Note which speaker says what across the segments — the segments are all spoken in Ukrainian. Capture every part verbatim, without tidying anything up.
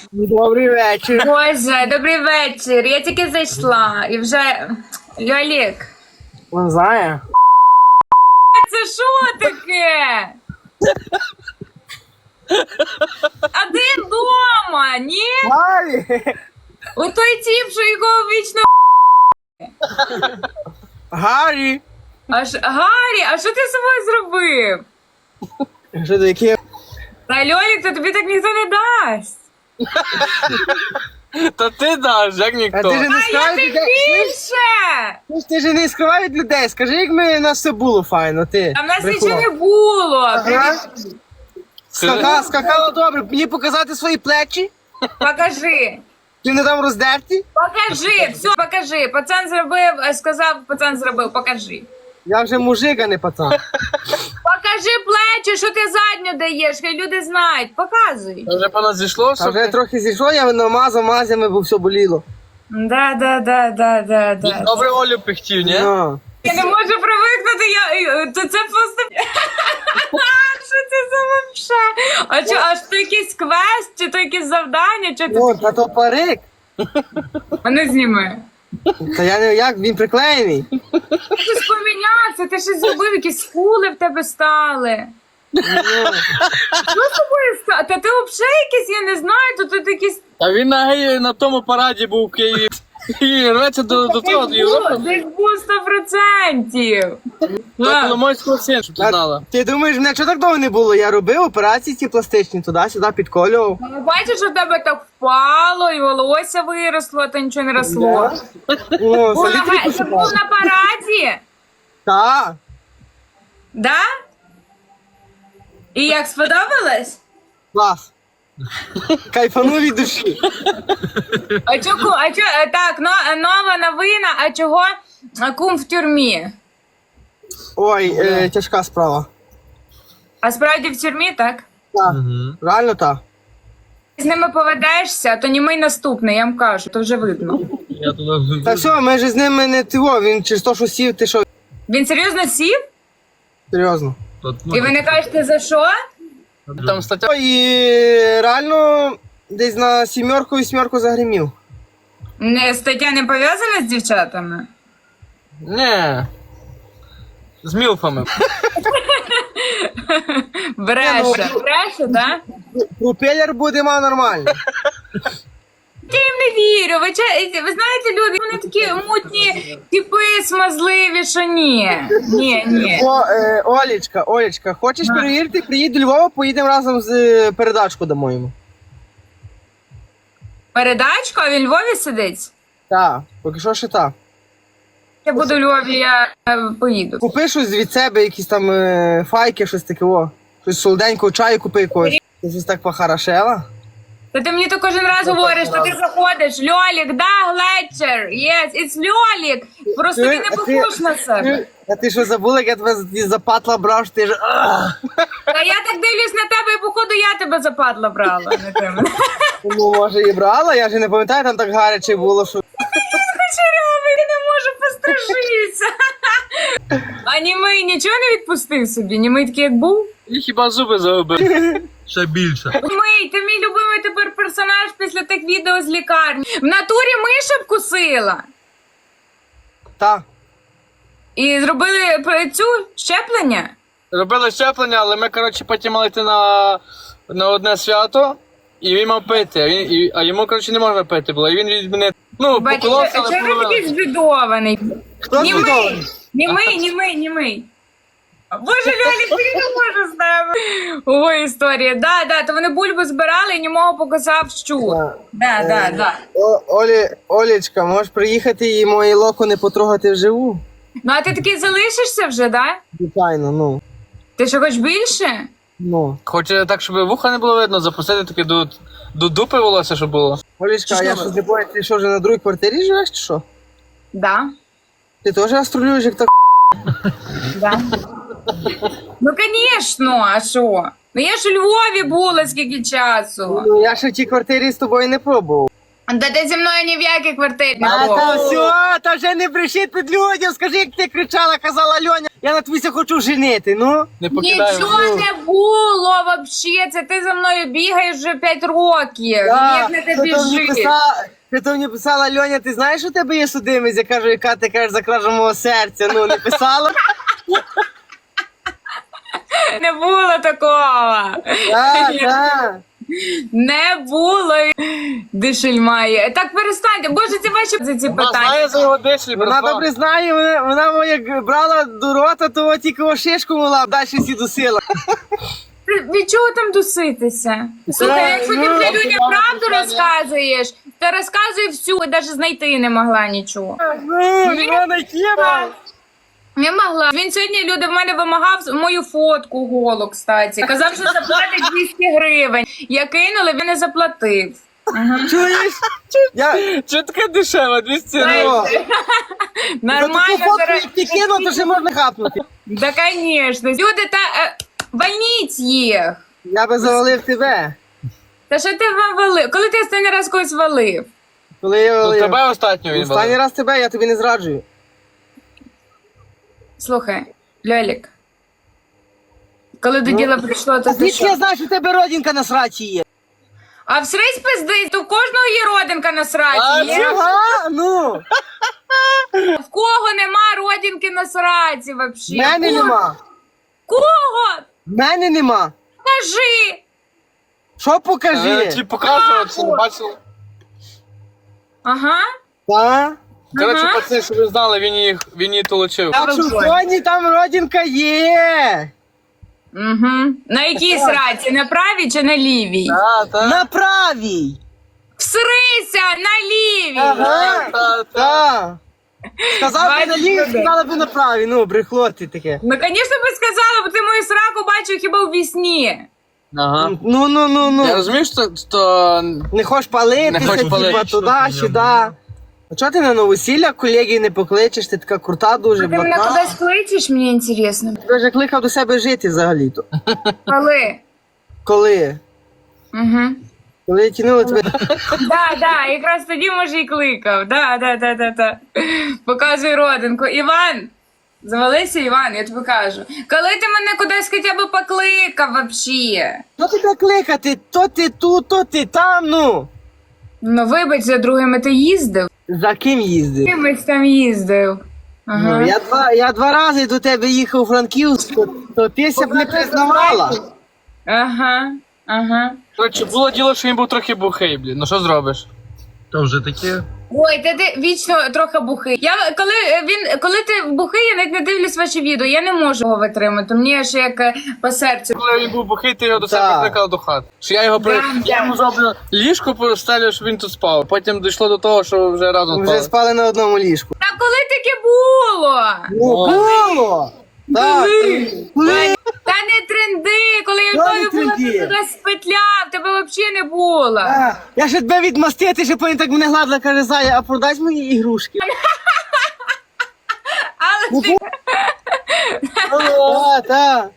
Speaker 1: Добрий вечір.
Speaker 2: Боже, добрий вечір. Я тільки зайшла і вже. Льолік,
Speaker 1: Он знає?
Speaker 2: це що таке? А ти вдома, ні?
Speaker 1: Гарі!
Speaker 2: Отой тіп, що його вічно.
Speaker 1: Гарі!
Speaker 2: Аж Гаррі, а що ти з собою зробив?
Speaker 1: Що таке?
Speaker 2: Та Льолік, то тобі так ніхто не дасть.
Speaker 3: Та ти даш, як
Speaker 1: А
Speaker 3: ніхто.
Speaker 1: ти ж не
Speaker 2: А я
Speaker 1: скривай
Speaker 2: тим
Speaker 1: від людей.
Speaker 2: більше!
Speaker 1: Ти ж не скривай від людей. Скажи, як ми, у нас все було файно, ти.
Speaker 2: А в нас
Speaker 1: брехуна.
Speaker 2: нічого не було.
Speaker 1: Ага. Скакала, скакала добре. Мені показати свої плечі?
Speaker 2: Покажи.
Speaker 1: Чи не там роздерті?
Speaker 2: Покажи, все, покажи. Пацан зробив, е, сказав, пацан зробив, покажи.
Speaker 1: Я вже мужик, а не пацан.
Speaker 2: Покажи плечі, що ти задню даєш, хай люди знають. Показуй.
Speaker 3: Та вже по нас зійшло
Speaker 1: А
Speaker 3: все?
Speaker 1: вже трохи зійшло, я намазав мазями, бо все боліло.
Speaker 2: Да, да, да, да, да, да.
Speaker 3: Добре Олю пихтів, ні?
Speaker 1: Ну.
Speaker 2: Я не можу привикнути, я, то це просто... Що це за вообще? А що, аж то якийсь квест, чи то якесь завдання, чи ти...
Speaker 1: О, та то парик.
Speaker 2: А не зніми.
Speaker 1: Та я не як, він приклеєний.
Speaker 2: Щось помінявся, ти щось зробив, якісь скули в тебе стали. Що з тобою стало? Та ти взагалі якийсь, я не знаю, то тут якісь...
Speaker 3: А він на, геї- на тому параді був в Києві. І рветься до, до того, до Європи.
Speaker 2: Десь був сто процентів.
Speaker 3: До Коломойського син, щоб ти
Speaker 1: А
Speaker 3: знала.
Speaker 1: ти думаєш, мене чого так довго не було? Я робив операції ці пластичні, туди-сюди підколював.
Speaker 2: Ну, бачиш, що в тебе так впало, і волосся виросло, а то нічого не росло.
Speaker 1: О,
Speaker 2: Був на,
Speaker 1: солідки
Speaker 2: га- Це був на параді?
Speaker 1: Так.
Speaker 2: Да? І як сподобалось?
Speaker 1: Клас. Кайфанув від душі.
Speaker 2: А чого, а чого, е, так, но, нова новина, а чого е, кум в тюрмі?
Speaker 1: Ой, е, тяжка справа.
Speaker 2: А справді в тюрмі, так?
Speaker 1: Так. Реально так.
Speaker 2: З ними поведешся, то німий наступний, я вам кажу, то вже видно.
Speaker 3: Я туди...
Speaker 1: Та все, ми ж з ними не тиво, він через то, що сів, ти що,
Speaker 2: Він серйозно сів?
Speaker 1: серйозно.
Speaker 2: І ви не кажете за що?
Speaker 3: Там стаття.
Speaker 1: Ой, і реально десь на сімерку і сімерку загримів.
Speaker 2: Не, стаття не пов'язана з дівчатами?
Speaker 3: Ні. З мілфами.
Speaker 2: Бреше, бреше, так?
Speaker 1: Пропелер буде ма нормально.
Speaker 2: Я їм не вірю. Ви, ча- ви знаєте, люди, вони такі мутні, типи смазливі, що ні. Ні, ні.
Speaker 1: О, е, Олечка, Олечка, хочеш перевірити? Приїдь до Львова, поїдемо разом з е, передачку дамо йому.
Speaker 2: Передачку, а він в Львові сидить?
Speaker 1: Так, поки що ще так.
Speaker 2: Я буду в Львові, я е, поїду.
Speaker 1: Купи щось від себе, якісь там е, файки, щось таке, о. Щось солоденького чаю купи якогось. Ти щось так похорошела.
Speaker 2: Та ти мені то кожен раз говориш, що ти заходиш, Льолік, да, Глетчер, yes, it's Льолік. Просто
Speaker 1: Ти-
Speaker 2: він не
Speaker 1: а ти-
Speaker 2: похож на себе.
Speaker 1: А ти що забула, як я тебе з запатла брав, що ти ж... «Ах!»
Speaker 2: Та я так дивлюсь на тебе, і походу я тебе западла брала. Не ти мене.
Speaker 1: Ну, може, і брала, я ж не пам'ятаю, там так гаряче було, що...
Speaker 2: Кучерявий, я не можу пострижитися. А німий нічого не відпустив собі? Німий такий, як був?
Speaker 3: І хіба зуби загубив. Ще більше.
Speaker 2: Німий, ти мій любимий тепер персонаж після тих відео з лікарні. В натурі миша вкусила.
Speaker 1: Та.
Speaker 2: І зробили про- цю щеплення.
Speaker 3: Робили щеплення, але ми, коротше, потім мали йти на, на одне свято, і він мав пити, а, він, і, а йому, коротше, не можна пити було, і він від мене, ну,
Speaker 2: Бачиш,
Speaker 3: поколовся,
Speaker 2: чого
Speaker 3: але
Speaker 2: ви такий
Speaker 3: половина.
Speaker 2: збідований?
Speaker 1: Хто
Speaker 2: Німий,
Speaker 1: збудований?
Speaker 2: німий, німий, німий. Боже, Льолік, я не можу з нами. Ой, історія. Да, да, то вони бульбу збирали і німого показав щур. Да, да, да.
Speaker 1: О, Олі, Олечка, можеш приїхати і мої локони потрогати вживу?
Speaker 2: Ну, а ти такий залишишся вже, да?
Speaker 1: Звичайно, ну.
Speaker 2: Ти що, хочеш більше?
Speaker 1: Ну.
Speaker 3: Хоче так, щоб вуха не було видно, запустити таке до, до дупи волосся, щоб було.
Speaker 1: Олечка, а
Speaker 3: Що
Speaker 1: я
Speaker 3: ви?
Speaker 1: щось не бачу, ти що, вже на другій квартирі живеш, чи що?
Speaker 2: Да.
Speaker 1: Ти теж астролюєш, як так?
Speaker 2: Да. Ну, звісно, а що? Ну я ж у Львові була скільки часу.
Speaker 1: Ну, я ще в тій квартирі з тобою не пробував.
Speaker 2: Та ти зі мною ні в якій квартирі не
Speaker 1: А
Speaker 2: був.
Speaker 1: та все, та вже не брешіть під людям, скажи, як ти кричала, казала Льоня, я на твійся хочу женити, ну.
Speaker 3: Не покидаємо.
Speaker 2: Нічого не було вообще, це ти за мною бігаєш вже п'ять років.
Speaker 1: Да,
Speaker 2: Як не ти
Speaker 1: хто то мені
Speaker 2: біжиш?
Speaker 1: писала- хто то мені писала, Льоня, ти знаєш, у тебе є судимість? Я кажу, яка ти кажеш за кражу мого серця, ну, не писала?
Speaker 2: Не було такого.
Speaker 1: Так, так.
Speaker 2: Не було. Дишель має. Так перестаньте. Боже, ці ваші за ці
Speaker 3: Вона
Speaker 2: питання.
Speaker 3: знає за його дислі,
Speaker 1: Вона
Speaker 3: братва.
Speaker 1: добре знає, вона, вона як брала до рота, то от тільки о шишку мала, далі всі досила.
Speaker 2: Від чого там дуситися? Слухай, якщо ти
Speaker 1: ну,
Speaker 2: для людям правду розказуєш, то розказуй всю, і навіть знайти не могла нічого.
Speaker 1: Ну, нема знайти, мам.
Speaker 2: Не могла. Він сьогодні, люди, в мене вимагав мою фотку голу, кстати. Казав, що заплатить двісті гривень. Я кинула, він не заплатив.
Speaker 1: Чуєш? Я...
Speaker 3: Чого таке дешево, двісті
Speaker 1: О,
Speaker 3: гривень?
Speaker 2: Нормально.
Speaker 1: за таку фотку,
Speaker 2: зараз-
Speaker 1: як ти кинув, то ще можна хапнути.
Speaker 2: Да, конечно. Люди, та е, вальніть їх.
Speaker 1: Я би завалив тебе.
Speaker 2: Та що ти вам валив? Коли ти останній раз когось валив?
Speaker 1: Коли я
Speaker 3: Ну,
Speaker 1: валив.
Speaker 3: тебе останнього він
Speaker 1: Останній
Speaker 3: валив.
Speaker 1: раз тебе, я тобі не зраджую.
Speaker 2: Слухай, Льолік. Коли до діла прийшло, то ти
Speaker 1: Звідки
Speaker 2: що?
Speaker 1: я знаю, що у тебе родинка на сраці є?
Speaker 2: А всрись пизди, то в кожного є родинка на
Speaker 3: А,
Speaker 2: сраці. Є?
Speaker 1: Ага, ну.
Speaker 2: В кого нема родинки на сраці
Speaker 1: В
Speaker 2: вообще?
Speaker 1: мене
Speaker 2: Кого?
Speaker 1: нема.
Speaker 2: Кого?
Speaker 1: В мене нема.
Speaker 2: Кажи.
Speaker 1: Що
Speaker 3: Е,
Speaker 1: покажи?
Speaker 3: Чи показував, чи не бачив?
Speaker 2: Ага.
Speaker 1: Та?
Speaker 3: Коротше,
Speaker 2: Ага.
Speaker 3: пацани, щоб ви знали, він їх, він її толочив.
Speaker 1: Так що в Соні там родинка є.
Speaker 2: Угу. На якій сраці? На правій чи на лівій?
Speaker 3: Та, та.
Speaker 1: На правій.
Speaker 2: Всрися на лівій.
Speaker 1: Ага.
Speaker 3: Та, та.
Speaker 1: Так. Сказав би на
Speaker 2: Бачиш,
Speaker 1: лівій,
Speaker 2: люди?
Speaker 1: сказала би на правій. Ну, брехло ти таке.
Speaker 2: Ну, звісно, би сказала, бо ти мою сраку бачив хіба у вісні.
Speaker 3: Ага.
Speaker 1: Ну, ну, ну,
Speaker 3: Я
Speaker 1: ну.
Speaker 3: розумію, що, що
Speaker 1: Не хочеш палитися,
Speaker 3: Не хочеш
Speaker 1: типа
Speaker 3: палити.
Speaker 1: туди, сюди. А чого ти на новосілля колегії не покличеш? Ти така крута дуже,
Speaker 2: Ти мене
Speaker 1: блатна.
Speaker 2: кудись кличеш, мені інтересно.
Speaker 1: Ти вже кликав до себе жити взагалі-то.
Speaker 2: Коли?
Speaker 1: Коли?
Speaker 2: Угу.
Speaker 1: Коли я тянула тебе.
Speaker 2: Да, да, якраз тоді, може, і кликав. Да, да, да, да, да. Показуй родинку. Іван, завалися, Іван, я тобі кажу. Коли ти мене кудись хоча б покликав вообще?
Speaker 1: Ну тебе кликати, то ти тут, то ти там, ну.
Speaker 2: Ну, вибач, за другими ти їздив.
Speaker 1: За ким їздив?
Speaker 2: Кимось там їздив. Ага.
Speaker 1: Ну, я, два, я два рази до тебе їхав у Франківськ, то, то ти ся б не признавала.
Speaker 2: Ага, ага.
Speaker 3: коротше, було діло, що він був трохи бухий, блін. Ну що зробиш?
Speaker 4: То вже таке.
Speaker 2: Ой, ти, ти вічно трохи бухий. Я коли е, він, коли ти бухий, я навіть не дивлюсь ваші відео. Я не можу його витримати. Мені аж як е, по серцю.
Speaker 3: Коли він був бухий, ти його до себе
Speaker 1: Так.
Speaker 3: прикликав до хати. Що я його при...
Speaker 2: Да,
Speaker 3: я йому зроблю ліжко постелю, щоб він тут спав. Потім дійшло до того, що вже разом
Speaker 1: Вже
Speaker 3: спали.
Speaker 1: спали на одному ліжку.
Speaker 2: Та коли таке було?
Speaker 1: Ну,
Speaker 3: О.
Speaker 1: було! Так, коли?
Speaker 2: Та не тренди, коли я в
Speaker 1: Та
Speaker 2: тобі
Speaker 1: не
Speaker 2: була,
Speaker 1: тренди.
Speaker 2: ти туди спетляв, тебе взагалі не було.
Speaker 1: А, я ще тебе відмастити, ще потім так мене гладила, каже, Зая, а продай мої ігрушки.
Speaker 2: Але ти...
Speaker 1: Так, так.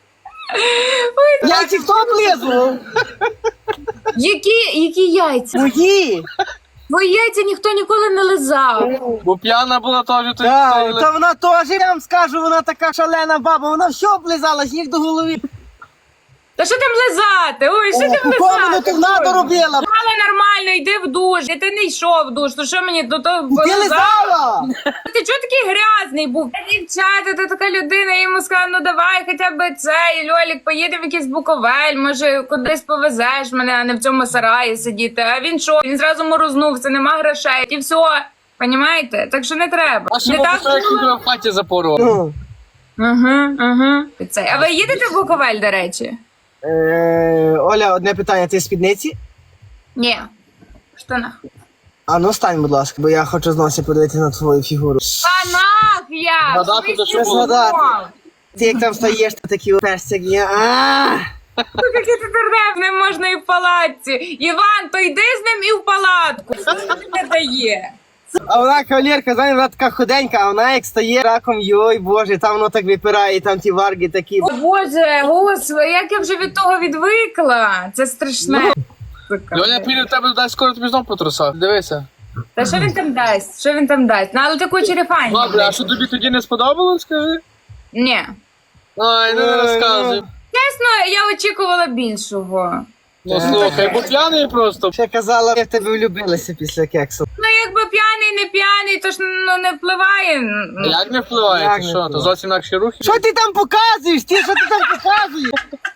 Speaker 1: Яйці хто облизував?
Speaker 2: Які, які яйця?
Speaker 1: Мої.
Speaker 2: Твої яйця ніхто ніколи не лизав.
Speaker 3: Бо п'яна була теж, то
Speaker 1: Так, та вона теж, я вам скажу, вона така шалена баба, вона все облизала, сніг до голови.
Speaker 2: Та що там лизати? Ой, що там
Speaker 1: Куповану
Speaker 2: лизати?
Speaker 1: то вона доробила.
Speaker 2: Але нормально, йди в душ. Ти не йшов в душ, то що мені то, то
Speaker 1: Ти лизала?
Speaker 2: Ти чого такий грязний був? Та, дівчата, ти така людина, я йому сказала, ну давай хоча б це, і Льолік, поїдемо в якийсь Буковель, може кудись повезеш мене, а не в цьому сараї сидіти. А він що? Він зразу морознувся, нема грошей, і все. Понімаєте? Так що не треба.
Speaker 3: А що
Speaker 2: Не
Speaker 3: було,
Speaker 2: так
Speaker 3: що як він тебе в хаті запорував?
Speaker 1: Ну.
Speaker 2: Ага, ага. Це. А ви їдете в Буковель, до речі?
Speaker 1: Е, Оля, одне питання, ти в спідниці?
Speaker 2: Ні. В штанах.
Speaker 1: А ну стань, будь ласка, бо я хочу знову подивитися на твою фігуру.
Speaker 2: Штанах я!
Speaker 3: Згадати,
Speaker 2: В
Speaker 3: то що
Speaker 2: смислі,
Speaker 3: було?
Speaker 1: Згадати.
Speaker 2: знов?
Speaker 1: Ти як там стоїш, то такі персик є. А!
Speaker 2: Ну, який ти дурнев, не можна і в палатці. Іван, то йди з ним і в палатку. Що тобі не дає?
Speaker 1: А вона кавалерка, знаєш, вона така худенька, а вона як стає раком, йой, боже, там воно так випирає, і там ті варги такі.
Speaker 2: О, Боже, господи, як я вже від того відвикла. Це страшне. Сука.
Speaker 3: Льоня піде в тебе дасть скоро тобі знов по трусах. Дивися.
Speaker 2: Та що він там дасть? Що він там дасть? Ну, але таку черефань.
Speaker 3: Добре, а що тобі тоді не сподобалось, скажи?
Speaker 2: Ні.
Speaker 3: Ай, не розказуй.
Speaker 2: Чесно, я очікувала більшого.
Speaker 3: Ну слухай, бо п'яний просто.
Speaker 1: Ще казала, я в тебе влюбилася після кексу.
Speaker 2: Ну, якби п'яний, не п'яний, то ж ну, не впливає. Ну,
Speaker 3: Як не впливає?
Speaker 1: Як
Speaker 3: Ти
Speaker 1: не
Speaker 3: що? То
Speaker 1: впливає?
Speaker 3: зовсім інакші рухи.
Speaker 1: Що ти там показуєш? Ти що ти там показуєш?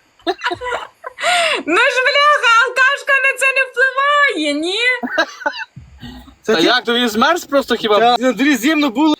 Speaker 2: ну ж, бляха, алкашка на це не впливає, ні?
Speaker 1: Це
Speaker 3: Та
Speaker 1: ти-
Speaker 3: як, то він змерз просто хіба?
Speaker 1: Та, на дворі зимно було.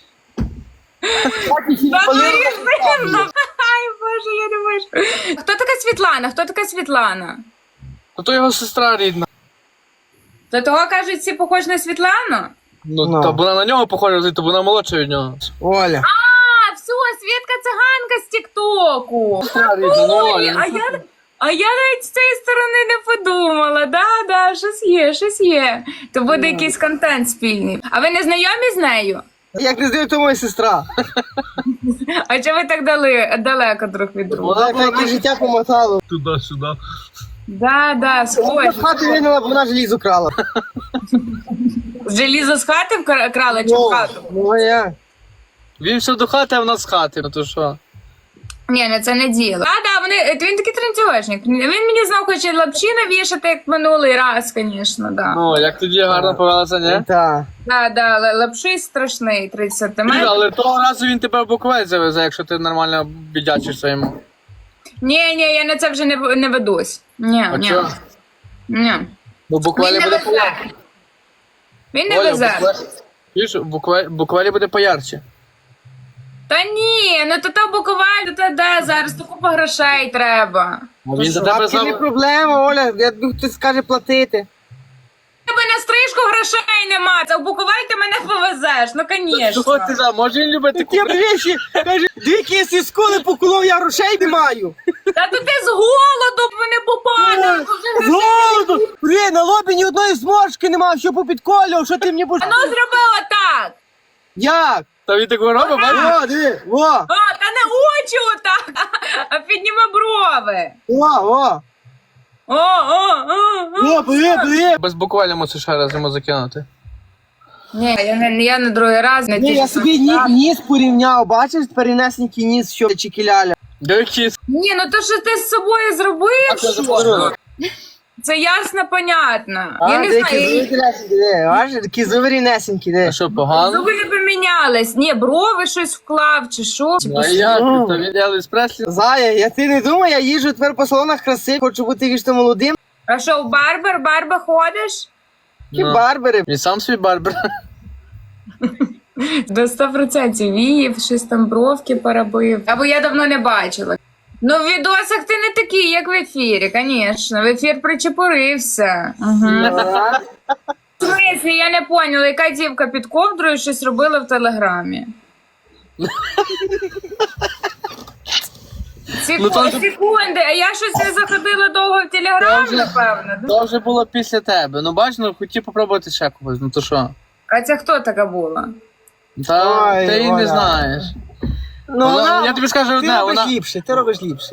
Speaker 2: Та ну, різно. Ай, боже, я не можу. Хто така Світлана? Хто така Світлана?
Speaker 3: То то його сестра рідна.
Speaker 2: До того, кажуть, всі похожі на Світлану?
Speaker 3: Ну,
Speaker 1: Ну.
Speaker 3: то вона на нього похожа, то вона молодша від нього.
Speaker 1: Оля.
Speaker 2: А, все, Світка циганка з Тіктоку.
Speaker 3: Сестра рідна, ну
Speaker 2: Ой,
Speaker 3: Оля.
Speaker 2: а я, а я навіть з цієї сторони не подумала. Да, да, щось є, щось є. То буде якийсь контент спільний. А ви не знайомі з нею?
Speaker 1: Як не здаю, то моя сестра.
Speaker 2: А чого ви так дали, далеко друг від друга?
Speaker 3: Вона
Speaker 1: Вона яке життя помотало.
Speaker 3: туди-сюди.
Speaker 2: Да, да,
Speaker 1: Вона
Speaker 2: схожі.
Speaker 1: в хату винула, бо вона желізо крала.
Speaker 2: Желізо з хати вкра- крала чи в
Speaker 1: Ну,
Speaker 2: хату?
Speaker 1: ну, а як?
Speaker 3: Він все до хати, а вона з хати, ну то що?
Speaker 2: Ні, не це не діло. А, да, вони, він такий тренцювачник. Він мені знав, хоче лапші навішати, як минулий раз, звісно, да.
Speaker 3: Ну, як тоді гарно повелася, ні?
Speaker 1: Так.
Speaker 2: Да, да, л- лапший страшний, тридцять сантиметрів.
Speaker 3: Але того разу він тебе в Буковель завезе, якщо ти нормально бідячишся йому.
Speaker 2: Ні, ні, я на це вже не, в- не ведусь. Ні,
Speaker 3: А
Speaker 2: ні.
Speaker 3: чого?
Speaker 2: Ні.
Speaker 3: Бо в Буковелі
Speaker 2: Він не
Speaker 3: буде
Speaker 2: везе.
Speaker 3: поярче.
Speaker 2: Він не
Speaker 3: Оля, в
Speaker 2: везе.
Speaker 3: Буковелі- Чуєш, в Буковелі- в Буковелі буде поярче.
Speaker 2: Та ні, ну то то Буковель, то то де зараз, то купа грошей треба.
Speaker 3: А він за
Speaker 1: Бабки
Speaker 3: тебе
Speaker 1: не
Speaker 3: зав...
Speaker 1: проблема, Оля. Я думаю, хтось скаже платити.
Speaker 2: Тебе на стрижку грошей нема, це в Буковель ти мене повезеш, ну
Speaker 3: Що
Speaker 2: звісно.
Speaker 3: ти за? Може він любить таку...
Speaker 1: Такі речі, каже, дві я зі скули поколов, я грошей не маю.
Speaker 2: Та то ти з голоду мене попадав.
Speaker 1: З голоду! Блін, на лобі ні одної зморшки нема, що попідколював, що ти мені будеш...
Speaker 2: Ну зробила так.
Speaker 1: Як?
Speaker 3: Та він так робить, бачиш?
Speaker 1: О, диви, о,
Speaker 2: А, та не очі отак, а підніми брови.
Speaker 1: о, о,
Speaker 2: О, о, о, о.
Speaker 1: о, бери, бери.
Speaker 3: Без Буковеля мусиш ще раз йому закинути.
Speaker 2: Ні, я не, я на другий раз не
Speaker 1: Ні,
Speaker 2: ті
Speaker 1: я
Speaker 2: ж
Speaker 1: собі ні, ніс порівняв, бачиш, перенесенький ніс, що чекіляля.
Speaker 3: Дивіться.
Speaker 2: Ні, ну то що ти з собою зробив, що? Це ясно, понятно. Я не знаю,
Speaker 1: Бачиш, такі зуби рівнесенькі, де.
Speaker 3: А що, погано?
Speaker 2: зуби не помінялись. Ні, брови щось вклав чи що.
Speaker 3: Ну, а як? Та він Елвіс Преслі.
Speaker 1: Зая, я ти не думай, я їжджу тепер по салонах краси, хочу бути вічно молодим.
Speaker 2: А що, в барбер, барба ходиш?
Speaker 1: Ті
Speaker 3: Ну.
Speaker 1: барбери.
Speaker 3: Він сам свій барбер.
Speaker 2: До сто процентів віїв, щось там бровки поробив. Або я давно не бачила. Ну, в відосах ти не такий, як в ефірі, звісно. В ефір причепурився. Угу.
Speaker 1: Ага.
Speaker 2: В смислі, я не поняла, яка дівка під ковдрою щось робила в Телеграмі. Секу...
Speaker 3: Ну, то-
Speaker 2: Секунди, а я щось не заходила довго в Телеграм,
Speaker 3: Це вже-
Speaker 2: напевно. да?
Speaker 3: То вже було після тебе. Ну бач, ну хотів попробувати ще когось, ну то що?
Speaker 2: А це хто така була?
Speaker 3: Та
Speaker 1: Ой,
Speaker 3: ти її не
Speaker 1: Оля.
Speaker 3: знаєш.
Speaker 1: Ну,
Speaker 3: Вона-
Speaker 1: вона-
Speaker 3: я тобі скажу
Speaker 1: ти
Speaker 3: одне,
Speaker 1: робиш
Speaker 3: вона-
Speaker 1: ліпше, ти робиш ліпше.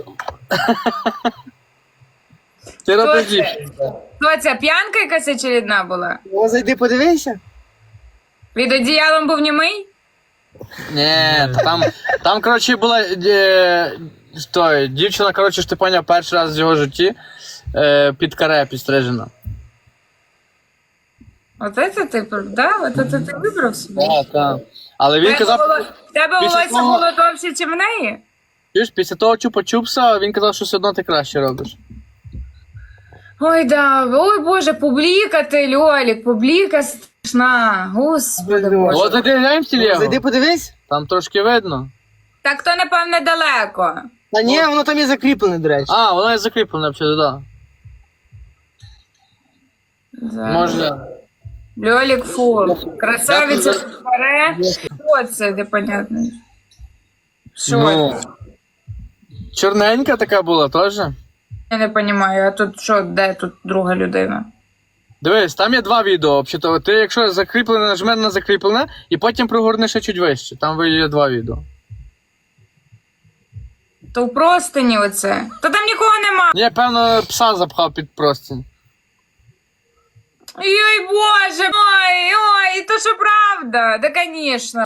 Speaker 3: Ти
Speaker 2: Хто
Speaker 3: робиш
Speaker 2: це?
Speaker 3: дівчину.
Speaker 2: Хто ця п'янка якась очередна була?
Speaker 1: Ну, зайди, подивися.
Speaker 2: Від одіялом був німий?
Speaker 3: Ні, та там, там, коротше, була е, той, дівчина, коротше, ж ти поняв, перший раз в його житті е, під каре підстрижена.
Speaker 2: Оце це ти, да? Оце це ти вибрав собі?
Speaker 3: Так, так. Але він
Speaker 2: Тебе
Speaker 3: казав,
Speaker 2: воло- Тебе
Speaker 3: після
Speaker 2: волосся
Speaker 3: того-
Speaker 2: було довше, ніж в неї?
Speaker 3: чуєш, після того чупа-чупса, він казав, що все одно ти краще робиш.
Speaker 2: Ой, да, ой, Боже, публіка ти, Льолік, публіка страшна, господи Боже.
Speaker 3: От зайди глянь в телегу,
Speaker 1: Зайди, подивись.
Speaker 3: там трошки видно.
Speaker 2: Так то, напевне, далеко.
Speaker 1: Та ні, воно там є закріплене, до речі.
Speaker 3: А, воно є закріплене, взагалі, так.
Speaker 2: Да.
Speaker 3: Може.
Speaker 2: Льолік фу. Красавиця
Speaker 3: Дякую за-
Speaker 2: бере. Що це, непонятно. Що?
Speaker 3: Ну, чорненька така була теж.
Speaker 2: Я не розумію, а тут що, де тут друга людина?
Speaker 3: Дивись, там є два відео. Взагалі, ти якщо закріплене, нажми на закріплене, і потім прогорни ще чуть вище. Там є два відео.
Speaker 2: То в простині оце. То там нікого нема.
Speaker 3: Ні, певно, пса запхав під простінь.
Speaker 2: Ой, боже мой, ой, то що правда, да, конечно.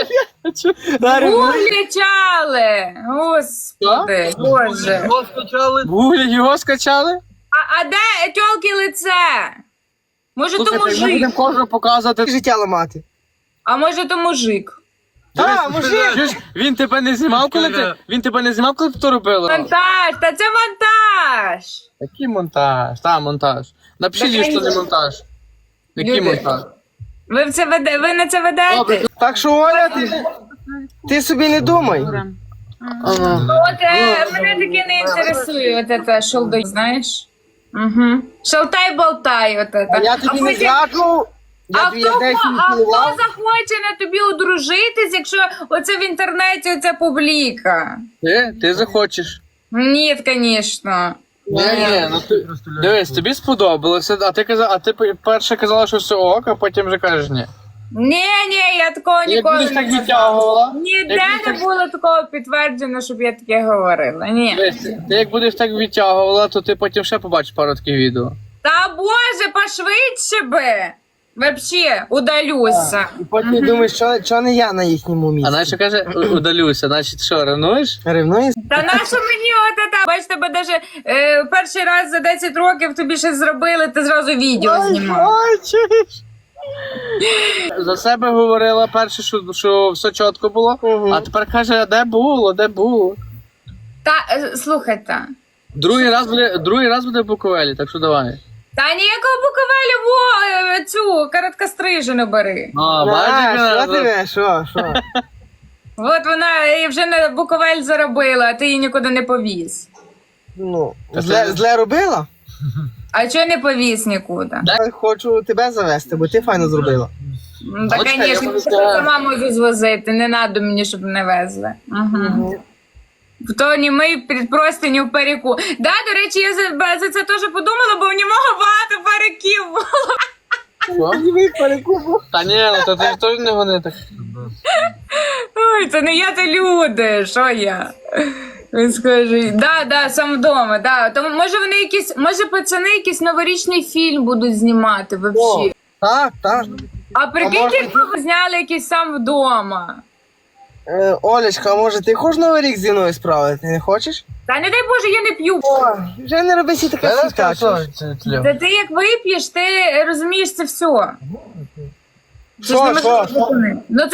Speaker 2: Гуглячали, господи, боже.
Speaker 3: Його скачали? Гуглі його скачали?
Speaker 2: А, а де тьолки лице? Може то
Speaker 3: Слухайте, ми
Speaker 2: мужик,
Speaker 3: будемо кожного показувати.
Speaker 1: Життя ламати.
Speaker 2: а може то мужик.
Speaker 1: Та, мужик!
Speaker 3: Чуєш, він тебе не знімав, коли ти, він тебе не знімав, коли ти то робила?
Speaker 2: Монтаж, та це монтаж.
Speaker 3: Який монтаж? Та, монтаж. Напишіть,
Speaker 2: Так,
Speaker 3: що не
Speaker 2: я-
Speaker 3: монтаж. Який
Speaker 2: Люди.
Speaker 3: монтаж?
Speaker 2: Ви, в це веде, ви на це ведете?
Speaker 3: Добре.
Speaker 1: Так що, Оля, ти, ти собі не думай.
Speaker 3: Ага.
Speaker 2: От е, мене таке не інтересує, от це шолдой, знаєш? Угу. Шалтай-болтай, от це.
Speaker 1: А я тобі не
Speaker 2: потім-
Speaker 1: зраджував.
Speaker 2: А
Speaker 1: Я
Speaker 2: хто,
Speaker 1: тобі я десь
Speaker 2: хо-
Speaker 1: не
Speaker 2: а хто
Speaker 1: цілував.
Speaker 2: захоче на тобі одружитись, якщо оце в інтернеті оця публіка?
Speaker 3: Ти, ти захочеш.
Speaker 2: Ні, звісно.
Speaker 3: Ні, ні, ну ти, дивись, тобі сподобалося, а ти казала, а ти перше казала, що все ок, а потім вже кажеш ні.
Speaker 2: Ні, ні, я такого
Speaker 3: Як
Speaker 2: ніколи
Speaker 3: будеш
Speaker 2: не
Speaker 3: так
Speaker 2: казала.
Speaker 3: відтягувала,
Speaker 2: Ніде
Speaker 3: як будеш
Speaker 2: не
Speaker 3: так-
Speaker 2: було такого підтверджено, щоб я таке говорила. Ні.
Speaker 3: дивись, ти як будеш так відтягувала, то ти потім ще побачиш пару таких відео.
Speaker 2: Та боже, пошвидше би! Вообще, удалюся.
Speaker 1: І потім думаєш, що, що не я на їхньому
Speaker 3: А
Speaker 1: місці.
Speaker 3: Настя каже, «У- удалюся, значить що, ревнуєш?
Speaker 1: Ревнуєш?
Speaker 2: Та нащо мені от це? Бач, тебе даже е, перший раз за десять років тобі щось зробили, ти зразу відео знімав.
Speaker 1: Ой, чуєш?
Speaker 3: За себе говорила перше, що, що все чітко було,
Speaker 1: Мгм.
Speaker 3: а тепер каже, а де було, де було.
Speaker 2: Та е, слухайте.
Speaker 3: Другий раз буде, другий раз буде в Буковелі, так що давай.
Speaker 2: Та ніякого Буковелю, во е, цю короткострижену бери.
Speaker 3: А,
Speaker 1: А,
Speaker 3: бачиш,
Speaker 1: що ти, що, що?
Speaker 2: От вона і вже на Буковель заробила, а ти її нікуди не повіз.
Speaker 1: Ну,
Speaker 3: Та
Speaker 1: зле,
Speaker 3: це-
Speaker 1: зле робила?
Speaker 2: А чого не повіз нікуди?
Speaker 1: Я хочу тебе завести, бо ти файно зробила.
Speaker 2: Ну, Та,
Speaker 3: Бачите, я
Speaker 2: звісно,
Speaker 3: можу
Speaker 2: я
Speaker 3: сказати.
Speaker 2: сама можу звозити, не треба мені, щоб не везли. Угу. То не ми під простиню в паріку. Да, до речі, я за, за це теж подумала, бо в нього багато париків було.
Speaker 3: Що? Та ні, ну то ти ж теж не гони так.
Speaker 2: Ой, це не я, то люди, що я? Він скаже, да, да, сам вдома, да. Тому може вони якісь, може пацани якийсь новорічний фільм будуть знімати взагалі.
Speaker 1: Так, так.
Speaker 2: А прикиньте,
Speaker 1: може,
Speaker 2: якби ви зняли якийсь сам вдома.
Speaker 1: Е, Олечка, а може ти хочеш Новий рік зі мною справити? Не хочеш?
Speaker 2: Та не дай Боже, я не п'ю.
Speaker 1: Ой, вже не роби сі таке світа.
Speaker 2: Та ти як вип'єш, ти розумієш це все. Це ж
Speaker 1: Що,
Speaker 2: неможливо
Speaker 1: що, що?
Speaker 2: зупинити. Ну